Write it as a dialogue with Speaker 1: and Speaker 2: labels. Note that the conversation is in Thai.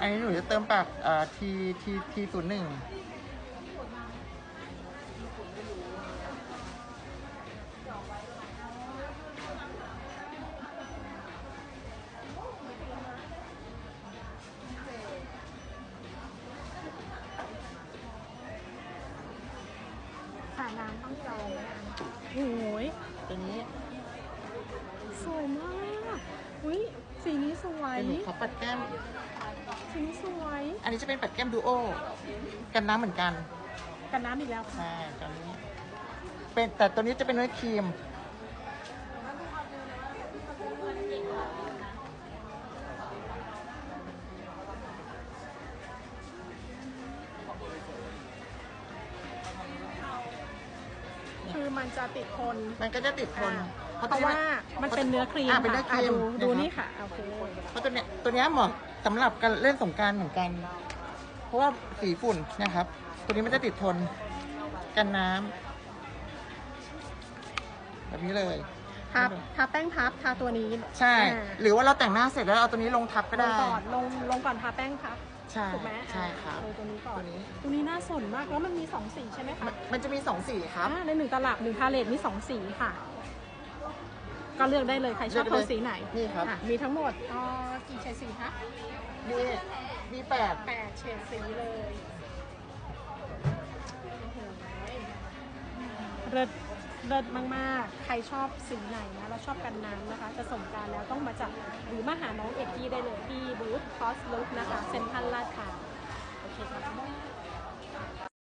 Speaker 1: อันนี้หนูจะเติมปากที01
Speaker 2: สระน้ำต้องจองนะคะโอ้ย
Speaker 1: ตัวนี้
Speaker 2: สวยมากอุ้ยสีนี้สวย
Speaker 1: เป็นหนูขอปัดแก้ม
Speaker 2: สีนี้สวย
Speaker 1: อันนี้จะเป็นปัดแก้มดูโอกันน้ำเหมือนกัน
Speaker 2: กันน้ำอีกแล้วค่ะ
Speaker 1: ใช่ตัวนี้เป็นแต่ตัวนี้จะเป็นเนื้อครีม
Speaker 2: คือมันจะติดทน
Speaker 1: มันก็จะติดทน
Speaker 2: เพราะว่ามันเป็นเนื้อครีม
Speaker 1: เป็นเนื้อครีม
Speaker 2: ดูนี่ค่ะโอเค
Speaker 1: เพราะตัวเนี้ยเหมาะสำหรับการเล่นสงกรานต์เหมือนกัน เพราะว่าสีฝุ่นนะครับ ตัวนี้มันจะติดทนกันน้ำแบบนี้เลย
Speaker 2: ทาแป้งพับทาตัวนี้
Speaker 1: ใช่ หรือว่าเราแต่งหน้าเสร็จแล้วเอาตัวนี้ลงทับก็
Speaker 2: ล
Speaker 1: ได้
Speaker 2: งก่อนลงก่อนทาแป้งพับ
Speaker 1: ใช่
Speaker 2: ถูกไหม
Speaker 1: ใช่ครับ
Speaker 2: ตัวนี้ก่อน
Speaker 1: ตัวนี้
Speaker 2: ตัวนี้น่าสนมากแล้วมันมี2สีใช่ไหมคะ
Speaker 1: มันจะมี2สีครับ
Speaker 2: ใน1 ตลับ1 พาเลตมี2 สีค่ะ ก็เลือกได้เลยใครชอบ
Speaker 1: เลื
Speaker 2: โท
Speaker 1: อก
Speaker 2: น
Speaker 1: ได้
Speaker 2: สีไหน
Speaker 1: นี่ครับ
Speaker 2: มีทั้งหมดกี่เฉดสีคะ
Speaker 1: มี8
Speaker 2: 8 เฉดสีเลยเลิศเลิศมากๆ ใครชอบสีไหนนะแล้วชอบกันน้ำนะคะ จะสงกรานต์แล้วต้องมาจับหรือมาหาน้องเอกกี้ได้เลยที่บูธคอสลุกนะคะเซ็นทรัลลาดพร้าวโอเคค่ะ